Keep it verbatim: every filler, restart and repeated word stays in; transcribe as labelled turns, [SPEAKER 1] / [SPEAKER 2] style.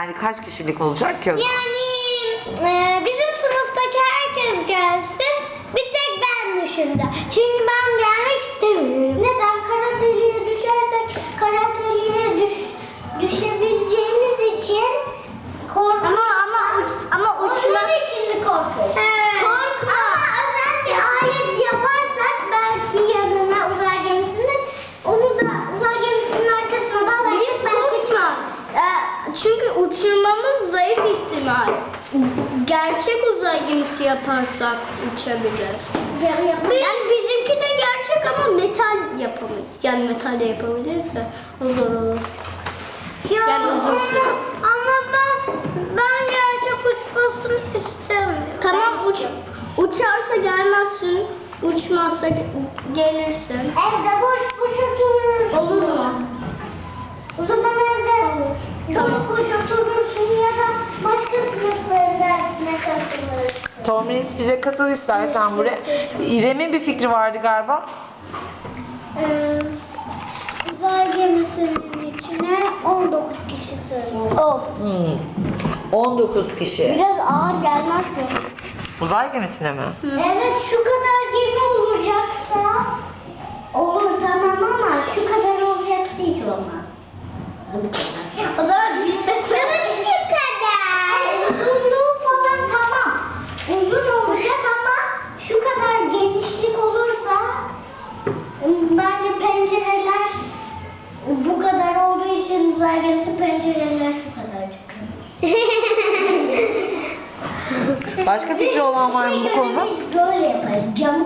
[SPEAKER 1] Yani kaç kişilik olacak ki?
[SPEAKER 2] Yani e, bizim sınıftaki herkes gelsin. Bir tek ben dışında. Çünkü ben gelmek istemiyorum. Neden? Kara deliğe düşersek kara deliğe düş, düşebileceğimiz için korkuyorum. Ama ama ama uçmak için mi korkuyorsun? Evet. Korkma. Ama özel bir alet yaparsak belki yanına uzay gemisinin onu da uzay gemisinin arkasına bağlayıp belki çıkar.
[SPEAKER 3] Çünkü uçurmamız zayıf ihtimal. Gerçek uzay gemisi yaparsak uçabilir. Yani bizimki de gerçek ama metal yapamayız. Yani metal de yapabiliriz de o zor olur.
[SPEAKER 2] Ya
[SPEAKER 3] Yani uzun
[SPEAKER 2] ama,
[SPEAKER 3] süre.
[SPEAKER 2] ama ben, ben gerçek uçmasını istemiyorum.
[SPEAKER 3] Tamam uç uçarsa gelmezsin, uçmazsa ge- gelirsin.
[SPEAKER 2] Evde boş boş oturursun.
[SPEAKER 3] Olur mu?
[SPEAKER 2] O zaman evde boş boş oturursun ya da başka sınıfların dersine katılırsın.
[SPEAKER 1] Tomris bize katıl istersen buraya. İrem'in bir fikri vardı galiba.
[SPEAKER 2] Ee, uzay gemisinin içine on dokuz kişi sığsın.
[SPEAKER 3] Of.
[SPEAKER 1] Hmm. on dokuz kişi.
[SPEAKER 3] Biraz ağır gelmez mi?
[SPEAKER 1] Uzay gemisine mi?
[SPEAKER 2] Evet, şu kadar gemi olacaksa olur tamam ama şu kadar olacaksa hiç olmaz.
[SPEAKER 3] O zaman biz de
[SPEAKER 2] Ya da şu kadar. Uzunluğu falan tamam. Uzun olacak ama şu kadar genişlik olursa bence pencereler bu kadar olduğu için uzay gemisi pencereler şu kadar çıkıyor.
[SPEAKER 1] Başka fikri olan var mı bu konuda?
[SPEAKER 2] Böyle yaparız. Camı